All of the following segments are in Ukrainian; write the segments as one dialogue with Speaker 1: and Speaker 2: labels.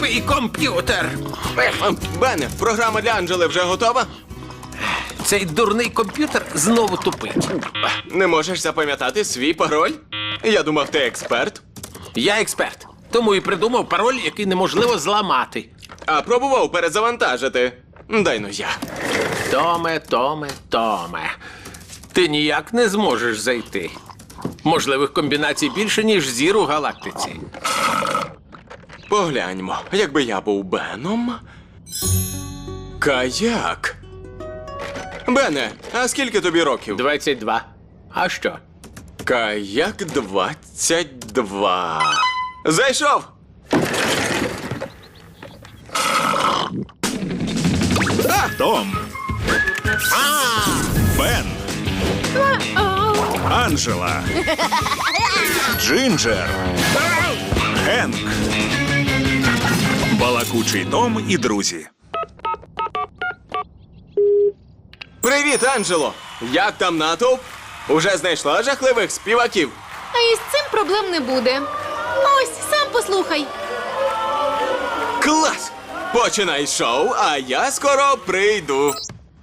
Speaker 1: Тупий комп'ютер.
Speaker 2: Бене, програма для Анджели вже готова?
Speaker 1: Цей дурний комп'ютер знову тупить.
Speaker 2: Не можеш запам'ятати свій пароль? Я думав, ти експерт.
Speaker 1: Я експерт, тому і придумав пароль, який неможливо зламати.
Speaker 2: А пробував перезавантажити. Дай-но я.
Speaker 1: Томе. Ти ніяк не зможеш зайти. Можливих комбінацій більше, ніж зір у галактиці.
Speaker 2: Погляньмо, якби я був Беном. Каяк. Бене, а скільки тобі років?
Speaker 1: 22. А що?
Speaker 2: Каяк 22. Зайшов!
Speaker 3: Том. Бен. Анджела. Джинджер. Хенк. Балакучий Том і друзі.
Speaker 2: Привіт, Анджело! Як там натовп? Уже знайшла жахливих співаків?
Speaker 4: А із цим проблем не буде. Ось, сам послухай.
Speaker 2: Клас! Починай шоу, а я скоро прийду.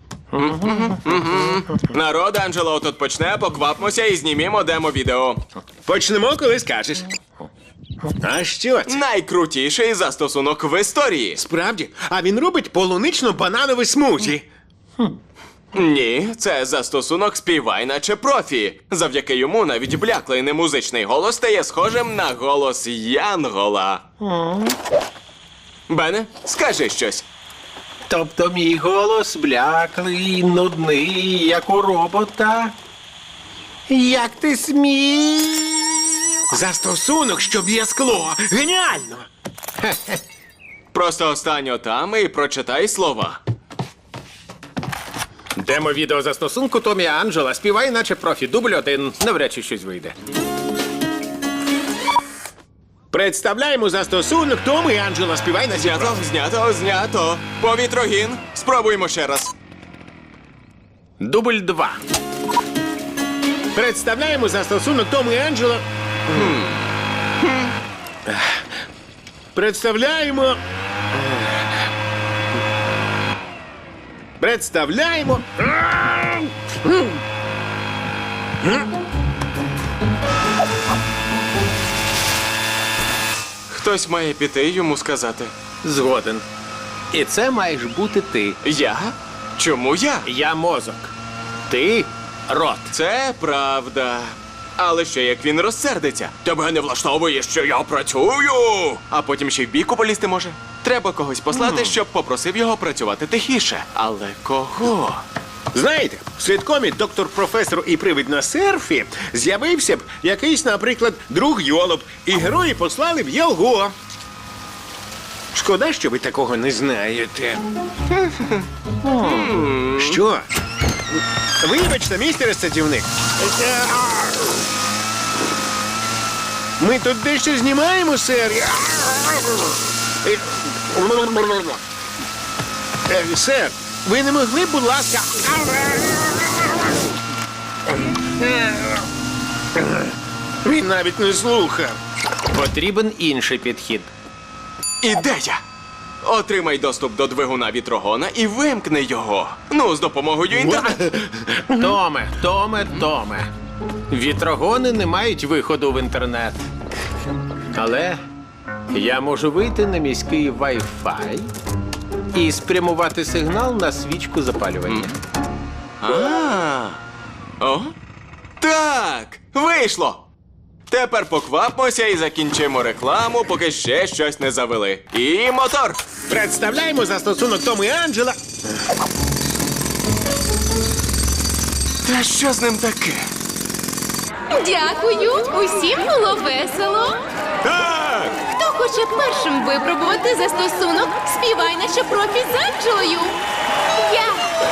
Speaker 2: Народ, Анджело тут почне, поквапмося і знімімо демо-відео.
Speaker 5: Почнемо, коли скажеш. А що це?
Speaker 2: Найкрутіший застосунок в історії.
Speaker 5: Справді? А він робить полунично-бананове смузі.
Speaker 2: Ні, це застосунок «Співай, наче профі». Завдяки йому навіть бляклий немузичний голос стає схожим на голос Янгола. Бене, скажи щось.
Speaker 1: Тобто мій голос бляклий, нудний, як у робота. Як ти смів?
Speaker 5: Застосунок, що б'є скло. Геніально!
Speaker 2: Просто остань отам і прочитай слова.
Speaker 1: Демо-відео застосунку Томі Анджела. Співай, наче профі. Дубль 1. Навряд чи щось вийде.
Speaker 5: Представляємо застосунок Том і Анджела. Співай на
Speaker 2: Знято, знято. Повітрогін. Спробуємо ще раз.
Speaker 1: Дубль 2.
Speaker 5: Представляємо застосунок Том і Анджела. Представляємо.
Speaker 2: Хтось має піти йому сказати.
Speaker 1: Згоден. І це маєш бути ти.
Speaker 2: Я? Чому я?
Speaker 1: Я мозок. Ти рот.
Speaker 2: Це правда. Але ще як він розсердиться. Тебе не влаштовує, що я працюю. А потім ще й в бійку полізти може. Треба когось послати, щоб попросив його працювати тихіше. Але кого?
Speaker 5: Знаєте, в ситкомі «Доктор, професор і привид на серфі» з'явився б якийсь, наприклад, друг Йолоп, і герої послали б його. Шкода, що ви такого не знаєте. Що? Вибачте, містере садівник. Ми тут дещо знімаємо, сер. Сер, ви не могли, будь ласка. Він навіть не слухав.
Speaker 1: Потрібен інший підхід.
Speaker 2: Ідея! Отримай доступ до двигуна вітрогона і вимкни його. Ну, з допомогою інтернету.
Speaker 1: Томе. Вітрогони не мають виходу в інтернет. Але я можу вийти на міський Wi-Fi і спрямувати сигнал на свічку запалювання.
Speaker 2: О? Так! Вийшло! Тепер поквапмося і закінчимо рекламу, поки ще щось не завели. І мотор!
Speaker 5: Представляємо застосунок Том і Анджела.
Speaker 2: Та що з ним таке?
Speaker 4: Дякую. Усім було весело.
Speaker 2: Так!
Speaker 4: Хто хоче першим випробувати застосунок «Співай, наче профі» з Анджелою? Я!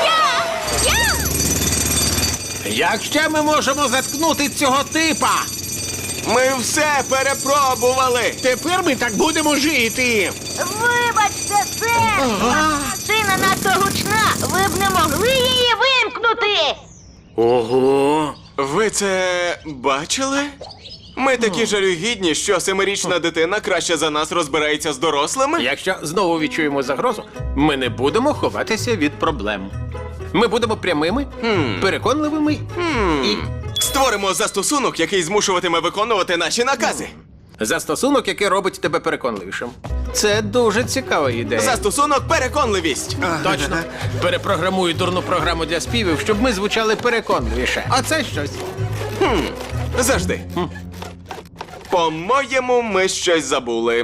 Speaker 1: Як ще ми можемо заткнути цього типа?
Speaker 2: Ми все перепробували!
Speaker 5: Тепер ми так будемо жити.
Speaker 6: Вибачте, сер! Машина надто гучна! Ви б не могли її вимкнути!
Speaker 5: Ого!
Speaker 2: Ви це бачили? Ми такі жалюгідні, що 7-річна дитина краще за нас розбирається з дорослими.
Speaker 1: Якщо знову відчуємо загрозу, ми не будемо ховатися від проблем. Ми будемо прямими, переконливими і
Speaker 2: Створимо застосунок, який змушуватиме виконувати наші накази.
Speaker 1: застосунок, який робить тебе переконливішим. Це дуже цікава ідея.
Speaker 2: Застосунок переконливість.
Speaker 1: Точно. Перепрограмую дурну програму для співів, щоб ми звучали переконливіше. А це щось.
Speaker 2: Завжди. По-моєму, ми щось забули.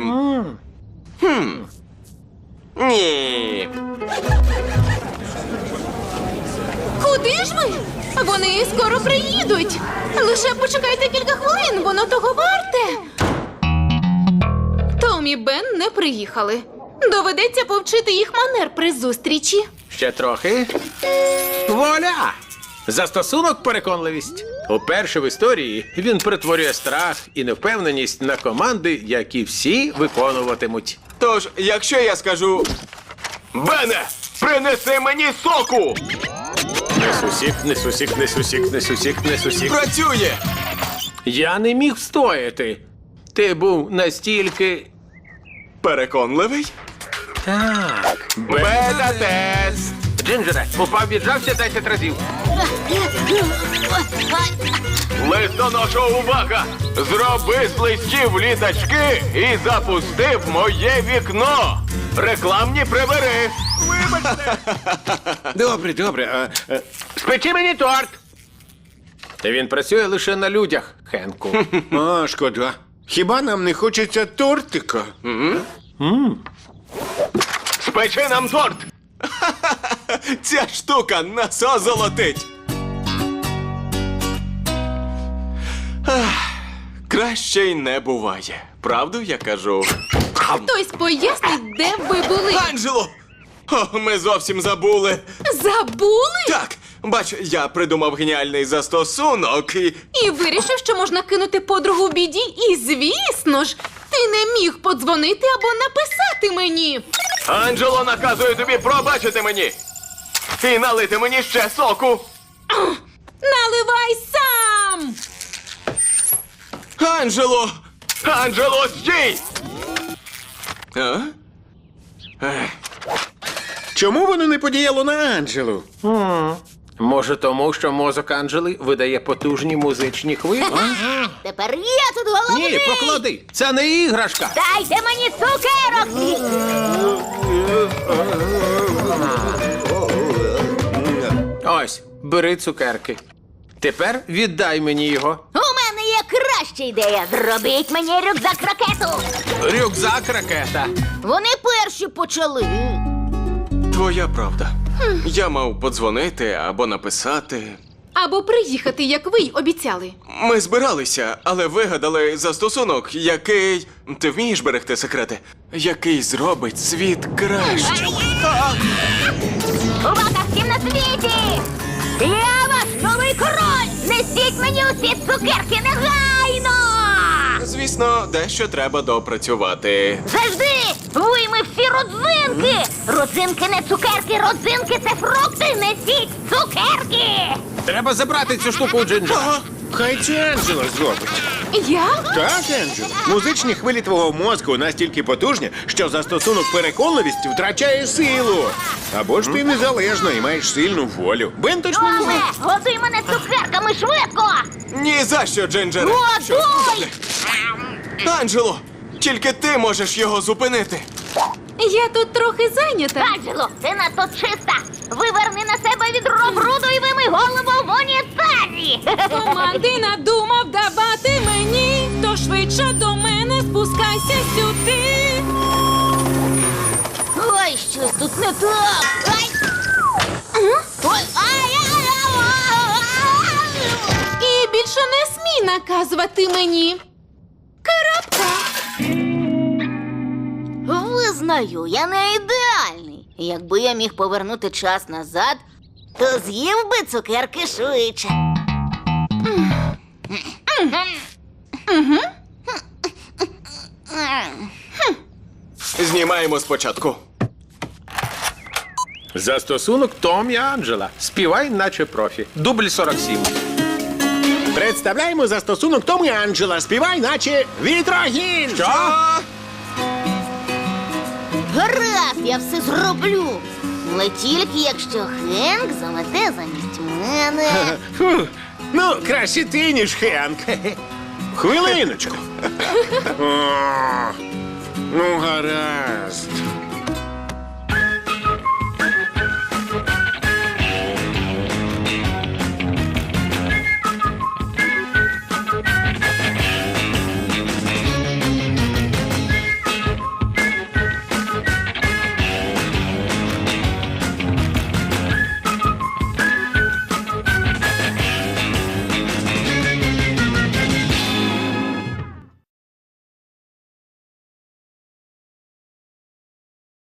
Speaker 2: Ні.
Speaker 4: Куди ж ви? Вони скоро приїдуть. Лише почекайте кілька хвилин, воно того варте. Том і Бен не приїхали. Доведеться повчити їх манер при зустрічі.
Speaker 1: Ще трохи. Вуаля! Застосунок переконливість. Уперше в історії він перетворює страх і невпевненість на команди, які всі виконуватимуть.
Speaker 2: Тож, якщо я скажу: Бене, принеси мені соку!
Speaker 1: Несусік.
Speaker 2: Працює!
Speaker 1: Я не міг встояти. Ти був настільки.
Speaker 2: Переконливий?
Speaker 1: Так.
Speaker 2: Бета-тест!
Speaker 1: Джинджере, упав, віджався 10 разів.
Speaker 2: Листоноша, увага! Зроби з листів літачки і запусти в моє вікно! Рекламні прибери!
Speaker 5: Добре.
Speaker 1: Спечи мені торт! Він працює лише на людях, Хенку.
Speaker 5: А, шкода. Хіба нам не хочеться тортика?
Speaker 2: Спечи нам торт! Ця штука нас озолотить! Краще й не буває. Правду я кажу?
Speaker 4: Хтось пояснить, де ви були.
Speaker 2: Анджело! О, ми зовсім забули.
Speaker 4: Забули?
Speaker 2: Так, бач, я придумав геніальний застосунок і...
Speaker 4: І вирішив, що можна кинути подругу в біді. І, звісно ж, ти не міг подзвонити або написати мені.
Speaker 2: Анджело наказує тобі пробачити мені! І налити мені ще соку!
Speaker 4: Наливай сам!
Speaker 2: Анджело! Анджело, стій! А?
Speaker 5: Чому воно не подіяло на Анджелу?
Speaker 1: Може, тому, що мозок Анджели видає потужні музичні хвилі?
Speaker 6: Тепер я тут головний!
Speaker 1: Ні, поклади! Це не іграшка!
Speaker 6: Дайте мені цукерок!
Speaker 1: Ось, бери цукерки. Тепер віддай мені його.
Speaker 6: У мене є краща ідея. Зробіть мені рюкзак-ракету.
Speaker 1: Рюкзак ракета.
Speaker 6: Вони перші почали.
Speaker 2: Твоя правда. Я мав подзвонити або написати.
Speaker 4: Або приїхати, як ви й обіцяли.
Speaker 2: Ми збиралися, але вигадали застосунок, який... Ти вмієш берегти секрети? Який зробить світ кращим.
Speaker 6: Увага всім на світі! Я ваш новий король! Несіть мені усі цукерки негайно!
Speaker 2: Звісно, дещо треба допрацювати.
Speaker 6: Завжди! Вийми всі родзинки! Родзинки не цукерки, родзинки це фрукти! Несіть цукерки!
Speaker 1: Треба забрати цю штуку у Джинджера.
Speaker 5: Хай це Анджела зробить.
Speaker 4: Я?
Speaker 5: Так, Анджело. Музичні хвилі твого мозку настільки потужні, що застосунок переконливість втрачає силу. Або ж ти незалежна і маєш сильну волю. Бен точно не
Speaker 6: Оле,
Speaker 5: знає.
Speaker 6: годуй мене цукерками швидко!
Speaker 2: Ні за що, Джинджере!
Speaker 6: Годуй!
Speaker 2: Анджело, тільки ти можеш його зупинити.
Speaker 4: Я тут трохи зайнята.
Speaker 6: Анджело, ти надто чиста! Виверни на себе відро бруду і вимий голову в унітазі!
Speaker 4: Команди надумав давати мені, то швидше до мене спускайся сюди.
Speaker 6: Ой, щось тут не так! Ай! Ой,
Speaker 4: І більше не смій наказувати мені. Крапка.
Speaker 6: Визнаю, я не ідеальний. Якби я міг повернути час назад, то з'їв би цукерки швидше.
Speaker 2: Знімаємо спочатку.
Speaker 1: Застосунок Том і Анджела. Співай, наче профі. Дубль 47.
Speaker 5: Представляємо застосунок Том і Анджела. Співай, наче вітрогін.
Speaker 2: Що?
Speaker 6: Гаразд, я все зроблю. Але тільки якщо Хенк замете замість мене.
Speaker 5: Фу, ну, краще ти, ніж Хенк. Хвилиночку. О, ну, гаразд.